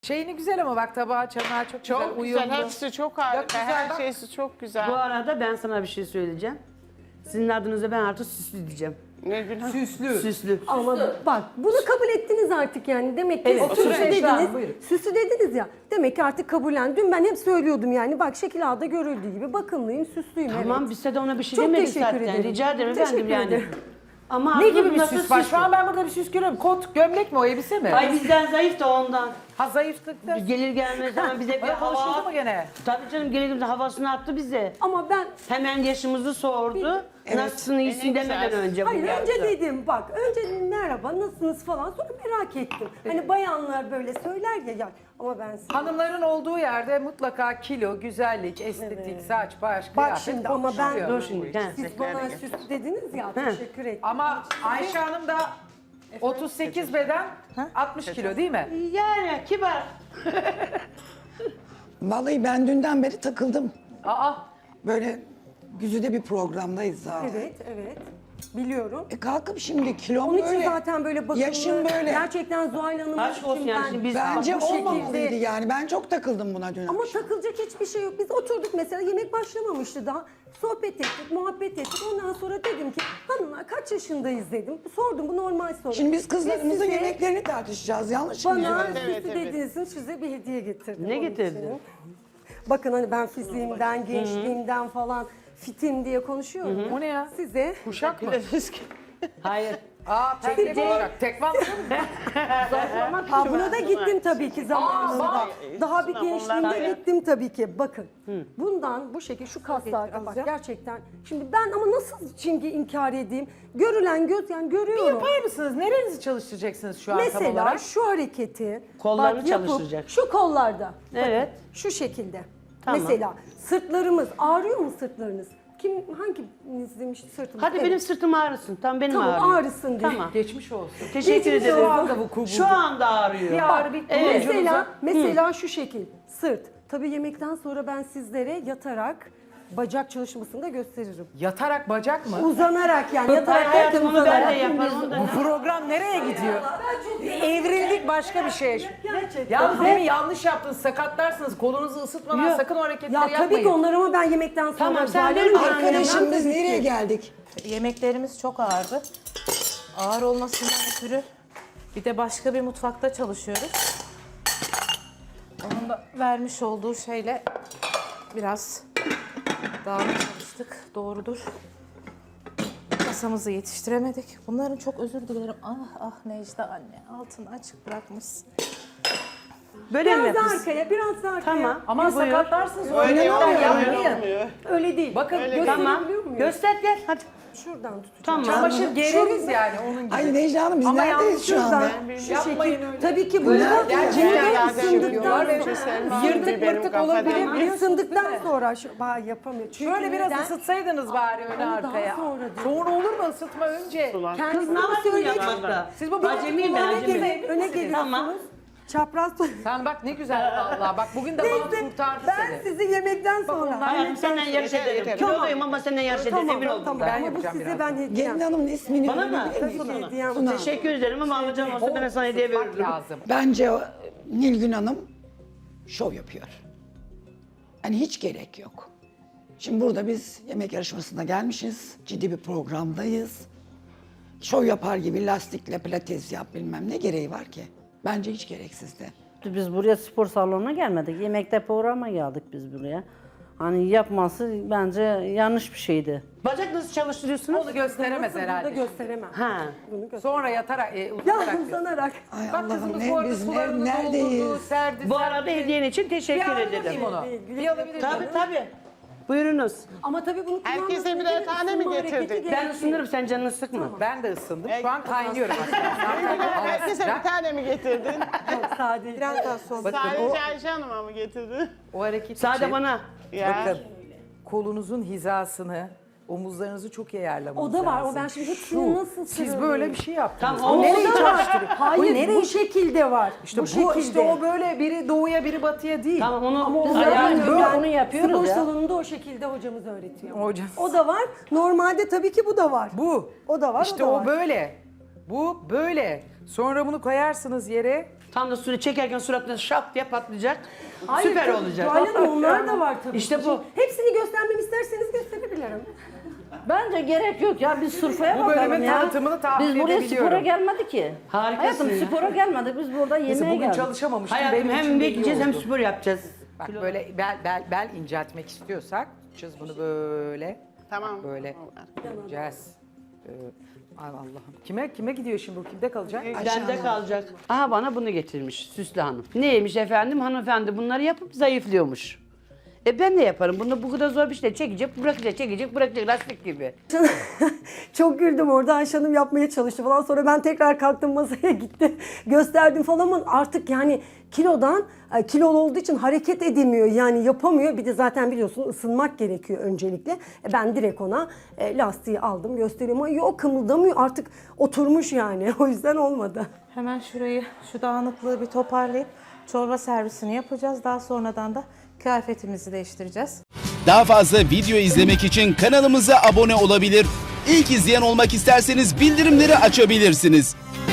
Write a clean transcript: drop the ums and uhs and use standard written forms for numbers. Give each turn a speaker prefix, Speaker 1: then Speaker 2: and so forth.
Speaker 1: Şeyini güzel ama bak tabağı çanağı çok güzel,
Speaker 2: Çok
Speaker 1: uyumlu.
Speaker 2: güzel, hepsi çok harika.
Speaker 1: güzel,
Speaker 2: Her
Speaker 1: bak.
Speaker 2: şeysi çok güzel.
Speaker 3: Bu arada ben sana bir şey söyleyeceğim. Sizin adınıza ben artık süslü diyeceğim.
Speaker 2: Ne günah.
Speaker 1: Süslü.
Speaker 3: Süslü.
Speaker 4: Ama bak bunu kabul ettiniz artık yani. Demek ki
Speaker 3: Evet.
Speaker 4: süslü
Speaker 1: Oturun Esra Hanım,
Speaker 4: dediniz.
Speaker 1: buyurun.
Speaker 4: Süslü dediniz ya. Demek ki artık kabullen. Dün ben hep söylüyordum yani. Bak şekil ağda görüldüğü gibi bakımlıyım, süslüyüm.
Speaker 3: Tamam
Speaker 4: evet.
Speaker 3: biz de ona bir şey
Speaker 4: Çok
Speaker 3: demedik
Speaker 4: teşekkür
Speaker 3: zaten.
Speaker 4: ederim.
Speaker 3: Rica ederim
Speaker 4: Teşekkür
Speaker 3: efendim yani.
Speaker 4: ederim.
Speaker 3: Ama
Speaker 1: Ne gibi bir
Speaker 3: nasıl
Speaker 1: süs var? Şu
Speaker 3: süslü?
Speaker 1: an ben burada bir süs görüyorum. Kot, gömlek mi o, elbise mi?
Speaker 3: Ay bizden zayıf da ondan.
Speaker 1: Ha zayıflıkta.
Speaker 3: Gelir gelmez hemen bize bir
Speaker 1: Ay, konuşuldu
Speaker 3: hava.
Speaker 1: mu gene?
Speaker 3: Tabii canım gelir gelmez havasını attı bize.
Speaker 4: Ama ben
Speaker 3: Hemen yaşımızı sordu. Nasılsın iyisin
Speaker 2: Ne
Speaker 3: demeden
Speaker 2: güzel.
Speaker 3: önce bunu
Speaker 4: hayır
Speaker 3: yaptı.
Speaker 4: önce dedim bak önce merhaba nasılsınız falan sonra merak ettim. Hani bayanlar böyle söyler ya ama ben size...
Speaker 1: Hanımların olduğu yerde mutlaka kilo, güzellik, estetik, saç, baş,
Speaker 4: Bak
Speaker 1: kıyafet
Speaker 4: şimdi ama ben
Speaker 1: konuşuluyor.
Speaker 3: Dur şimdi. he.
Speaker 4: siz bana süslü dediniz ya teşekkür ederim.
Speaker 1: Ama Ayşe Hanım da 38 beden, 60 kilo değil mi?
Speaker 3: Yani kibar.
Speaker 5: Vallahi ben dünden beri takıldım.
Speaker 1: Aa,
Speaker 5: Böyle güzide bir programdayız zaten.
Speaker 4: Evet biliyorum.
Speaker 5: Kalkıp şimdi kilom
Speaker 4: Onun için
Speaker 5: böyle.
Speaker 4: zaten böyle bakımlı.
Speaker 5: Yaşım böyle.
Speaker 4: Gerçekten Zuhal Hanım'ın
Speaker 3: Aşk olsun yani şimdi biz
Speaker 5: Bence
Speaker 4: bu şekilde-
Speaker 5: olmamalıydı yani. Ben çok takıldım buna dün
Speaker 4: Ama
Speaker 5: akşam.
Speaker 4: takılacak hiçbir şey yok. Biz oturduk mesela yemek başlamamıştı daha. Sohbet ettik, muhabbet ettik. Ondan sonra dedim ki hanımlar kaç yaşındayız dedim. Sordum bu normal soru.
Speaker 5: Şimdi biz kızlarımızın
Speaker 4: Size-
Speaker 5: yemeklerini tartışacağız. Yanlış mı?
Speaker 4: Bana
Speaker 2: Evet,
Speaker 4: süslü
Speaker 2: evet.
Speaker 4: dediğiniz için size bir hediye getirdim.
Speaker 3: Ne
Speaker 4: onun
Speaker 3: getirdin?
Speaker 4: için. Bakın hani ben fiziğimden, gençliğimden falan fitim diye konuşuyorum.
Speaker 1: o ne ya?
Speaker 4: Size
Speaker 1: Kuşak mı?
Speaker 3: Hayır.
Speaker 1: Aa, teknik kuşak. Tekvan mı?
Speaker 4: Buna da gittim tabii ki zamanında. Daha bir gençliğimde gittim tabii ki. Bakın bundan bu şekilde şu kaslarda bak gerçekten. Şimdi ben ama nasıl şimdi inkar edeyim? Görülen göz yani görüyorum.
Speaker 1: Yapar mısınız? Nerenizi çalıştıracaksınız şu an tam
Speaker 4: Mesela
Speaker 1: olarak?
Speaker 4: şu hareketi
Speaker 3: Kollarını
Speaker 4: bak yapıp
Speaker 3: çalıştıracak.
Speaker 4: şu kollarda.
Speaker 3: Evet.
Speaker 4: Bakın, şu şekilde.
Speaker 3: Tamam.
Speaker 4: Mesela sırtlarımız ağrıyor mu sırtlarınız? Hanginiz demiş sırtım?
Speaker 3: Hadi
Speaker 4: Evet.
Speaker 3: benim sırtım ağrısın. Tamam benim
Speaker 4: Tamam
Speaker 3: ağrıyor.
Speaker 4: ağrısın diye.
Speaker 3: Tamam.
Speaker 1: Geçmiş olsun.
Speaker 3: Teşekkür
Speaker 4: Geçmiş
Speaker 3: ederim.
Speaker 4: olsun.
Speaker 1: anda bu kubuldu.
Speaker 3: Şu anda ağrıyor.
Speaker 1: Bir ağrı bir
Speaker 3: Evet.
Speaker 4: Mesela şu şekil sırt. Tabii yemekten sonra ben sizlere yatarak bacak çalışmasını da gösteririm.
Speaker 1: Yatarak bacak mı?
Speaker 4: Uzanarak yani
Speaker 3: Hayır
Speaker 4: yatarak
Speaker 3: hayatım onu ben de
Speaker 4: uzanarak.
Speaker 3: yaparım. Onu da
Speaker 1: Bu program nereye gidiyor? Evrildik başka bir şeye.
Speaker 4: Gerçekten.
Speaker 1: Yalnız demin yanlış yaptınız, sakatlarsınız. Kolunuzu ısıtmadan
Speaker 3: Yok.
Speaker 1: sakın o hareketleri
Speaker 4: Ya
Speaker 1: yapmayın.
Speaker 4: tabii ki onlar ama ben yemekten sonra
Speaker 3: Tamam, sen
Speaker 4: Zuhal
Speaker 3: benim
Speaker 4: Hanım
Speaker 5: Arkadaşım
Speaker 4: yemem
Speaker 5: biz
Speaker 4: tabii ki.
Speaker 5: nereye geldik?
Speaker 6: Yemeklerimiz çok ağırdı. Ağır olmasından ötürü bir de başka bir mutfakta çalışıyoruz. Onun da vermiş olduğu şeyle biraz dağınık çalıştık. Doğrudur. Masamızı yetiştiremedik. Bunların çok özür dilerim. Ah Necla anne altını açık bırakmışsın.
Speaker 3: Böyle mi
Speaker 4: Biraz da
Speaker 3: yapıyorsun?
Speaker 4: arkaya, biraz da arkaya.
Speaker 3: Tamam.
Speaker 1: Aman
Speaker 3: Buyur.
Speaker 1: sakatlarsınız. O
Speaker 2: Öyle
Speaker 1: hareketler
Speaker 2: olmuyor,
Speaker 1: yapmayın.
Speaker 2: olmuyor.
Speaker 4: Öyle değil.
Speaker 1: Bakın
Speaker 3: Tamam.
Speaker 4: Gösterebiliyor muyum?
Speaker 3: Göster gel hadi.
Speaker 4: Şuradan tutacağım.
Speaker 3: Tamam.
Speaker 1: çamaşır gereriz yani onun gibi.
Speaker 5: Ay Necla Hanım biz
Speaker 1: Ama
Speaker 5: neredeyiz şu
Speaker 4: Şuradan
Speaker 5: anda?
Speaker 4: şu
Speaker 1: Yapmayın
Speaker 4: şekil.
Speaker 1: öyle.
Speaker 4: Tabii ki bunu da
Speaker 1: Gerçekten
Speaker 4: bunu da
Speaker 1: yapıyorlar
Speaker 4: ısındıktan
Speaker 1: ve
Speaker 4: sonra.
Speaker 1: yırtık mırtık olabilir.
Speaker 4: Isındıktan sonra yapamıyor. Çünkü
Speaker 1: Şöyle biraz
Speaker 4: neden?
Speaker 1: ısıtsaydınız bari öne
Speaker 4: Ama daha
Speaker 1: arkaya.
Speaker 4: sonra değil.
Speaker 1: Sonra olur mu ısıtma önce?
Speaker 3: Kız
Speaker 4: Kendisi
Speaker 3: ne yapıyorsun
Speaker 4: söyledi.
Speaker 3: yapmakta?
Speaker 1: Siz bu
Speaker 3: Acemiyim ben
Speaker 4: Öne
Speaker 3: acemi.
Speaker 4: gelin, öne geliyorsunuz.
Speaker 3: Tamam.
Speaker 4: Çapraz.
Speaker 1: Sen bak ne güzel vallahi. Bak bugün de bana
Speaker 4: Neyse
Speaker 1: kurtardı
Speaker 4: ben
Speaker 1: seni.
Speaker 4: sizi yemekten sonra.
Speaker 3: Hayatım senden yarış
Speaker 2: Yeter,
Speaker 3: ederim.
Speaker 2: yeter.
Speaker 3: Kiloluyum ama senden yarış ederim emin oldum.
Speaker 4: Tamam.
Speaker 1: Ben
Speaker 4: Ama bu
Speaker 1: yapacağım
Speaker 4: size
Speaker 1: birazdan.
Speaker 4: ben hediyem.
Speaker 5: Gelin Hanım'ın ismini
Speaker 3: Bana mı?
Speaker 5: öğrenebilir
Speaker 4: Tabii
Speaker 5: miyim?
Speaker 4: ki hediyem.
Speaker 5: Suna.
Speaker 3: Teşekkür ederim ama alacağım olsa ben sana hediye
Speaker 1: Isıtmak
Speaker 3: veririm.
Speaker 1: lazım.
Speaker 5: Bence Nilgün Hanım şov yapıyor. Hani hiç gerek yok. Şimdi burada biz yemek yarışmasına gelmişiz. Ciddi bir programdayız. Şov yapar gibi lastikle pilates yap bilmem ne gereği var ki? Bence hiç gereksizdi.
Speaker 7: Biz buraya spor salonuna gelmedik. Yemekte programa geldik biz buraya. Hani yapması bence yanlış bir şeydi.
Speaker 3: Bacak nasıl çalıştırıyorsunuz?
Speaker 1: Onu gösteremez
Speaker 4: Burada
Speaker 1: herhalde.
Speaker 4: gösteremem.
Speaker 3: Ha.
Speaker 1: Sonra yatarak,
Speaker 4: Ya
Speaker 1: uzanarak.
Speaker 4: uzanarak.
Speaker 5: Ay
Speaker 1: Bak
Speaker 5: Allah'ım
Speaker 1: kızımız bu arada
Speaker 5: biz
Speaker 1: sularını doldurdu,
Speaker 5: neredeyiz?
Speaker 1: serdi.
Speaker 3: Bu arada hediyen için
Speaker 1: Bir
Speaker 3: teşekkür
Speaker 1: alabilir
Speaker 3: ederim.
Speaker 1: miyim onu? Bir alabilir miyim?
Speaker 3: Tabii tabii. Buyurunuz.
Speaker 4: Ama tabii bunu
Speaker 2: Herkese
Speaker 4: kullanmasın
Speaker 2: birer
Speaker 4: diye
Speaker 2: tane mi
Speaker 4: ısınma hareketi
Speaker 2: getirdin?
Speaker 4: gerekiyor.
Speaker 3: Ben ısınırım sen canını sıkma.
Speaker 1: Ben de ısındım. Şu an kaynıyorum aslında.
Speaker 2: Herkese bir tane mi getirdin?
Speaker 4: Yok, sade. Biraz daha sonra.
Speaker 1: Bakın o,
Speaker 2: Sadece Ayşe Hanım'a mı getirdin?
Speaker 1: o hareket
Speaker 3: Sade
Speaker 1: için,
Speaker 3: bana.
Speaker 2: Ya.
Speaker 1: bakın kolunuzun hizasını, omuzlarınızı çok iyi ayarlamanız
Speaker 4: O da var.
Speaker 1: lazım.
Speaker 4: O ben şimdi hepsini nasıl
Speaker 1: Siz
Speaker 4: sıralayayım?
Speaker 1: böyle bir şey yaptınız.
Speaker 3: Tamam,
Speaker 1: O
Speaker 3: o
Speaker 1: nereyi
Speaker 4: da var.
Speaker 1: çalıştırıyor?
Speaker 4: Hayır bu şekilde var.
Speaker 1: İşte bu,
Speaker 4: şekilde.
Speaker 1: işte o böyle biri doğuya biri batıya değil.
Speaker 3: Tamam onu
Speaker 4: Ama
Speaker 3: biz
Speaker 4: onu
Speaker 3: ayarlayalım.
Speaker 4: yapmıyorum.
Speaker 7: onu yapıyoruz
Speaker 4: Spor
Speaker 7: ya.
Speaker 4: salonunda o şekilde hocamız öğretiyor.
Speaker 1: Hocam.
Speaker 4: O da var. Normalde tabii ki bu da var.
Speaker 1: Bu.
Speaker 4: O da var,
Speaker 1: İşte
Speaker 4: o da
Speaker 1: o
Speaker 4: var.
Speaker 1: böyle. Bu böyle. Sonra bunu koyarsınız yere.
Speaker 3: Tam da suyunu çekerken suratına şap diye patlayacak.
Speaker 4: Hayır,
Speaker 3: Süper
Speaker 4: tabii,
Speaker 3: olacak.
Speaker 4: Zuhal Hanım, onlar da var tabii.
Speaker 3: İşte
Speaker 4: ki.
Speaker 3: bu.
Speaker 4: Hepsini göstermemi isterseniz gösterebilirim.
Speaker 7: Bence gerek yok ya, biz sırfaya
Speaker 1: Bu
Speaker 7: bakalım
Speaker 1: bölümün
Speaker 7: ya.
Speaker 1: tanıtımını tahmin
Speaker 7: Biz buraya
Speaker 1: edebiliyorum.
Speaker 7: spora gelmedik ki.
Speaker 3: Harikasın
Speaker 7: Hayatım
Speaker 3: ya.
Speaker 7: spora gelmedik, biz burada
Speaker 1: Mesela
Speaker 7: yemeğe
Speaker 1: bugün
Speaker 7: geldik.
Speaker 1: çalışamamıştım.
Speaker 3: Hayatım
Speaker 1: benim için
Speaker 3: hem
Speaker 1: de iyi
Speaker 3: bekleyeceğiz hem
Speaker 1: oldu.
Speaker 3: spor yapacağız.
Speaker 1: Bak böyle bel inceltmek istiyorsak çiz bunu böyle.
Speaker 2: Tamam.
Speaker 1: Bak böyle incelteceğiz. Ay Allah'ım. Kime gidiyor şimdi bu? Kimde kalacak?
Speaker 3: Bende kalacak. Aha bana bunu getirmiş Süslü Hanım. Neymiş efendim? Hanımefendi bunları yapıp zayıflıyormuş. Ben de yaparım. Bunu bu kadar zor bir şey çekecek, bırakacak lastik gibi.
Speaker 4: Çok güldüm orada, Ayşe Hanım yapmaya çalıştı falan. Sonra ben tekrar kalktım, masaya gitti. Gösterdim falan ama artık yani kilolu olduğu için hareket edemiyor. Yani yapamıyor. Bir de zaten biliyorsun ısınmak gerekiyor öncelikle. Ben direkt ona lastiği aldım, gösteriyorum. Ama yok, kımıldamıyor. Artık oturmuş yani. O yüzden olmadı.
Speaker 6: Hemen şurayı, şu dağınıklığı bir toparlayıp çorba servisini yapacağız. Daha sonradan da kıyafetimizi değiştireceğiz.
Speaker 8: Daha fazla video izlemek için kanalımıza abone olabilir. İlk izleyen olmak isterseniz bildirimleri açabilirsiniz.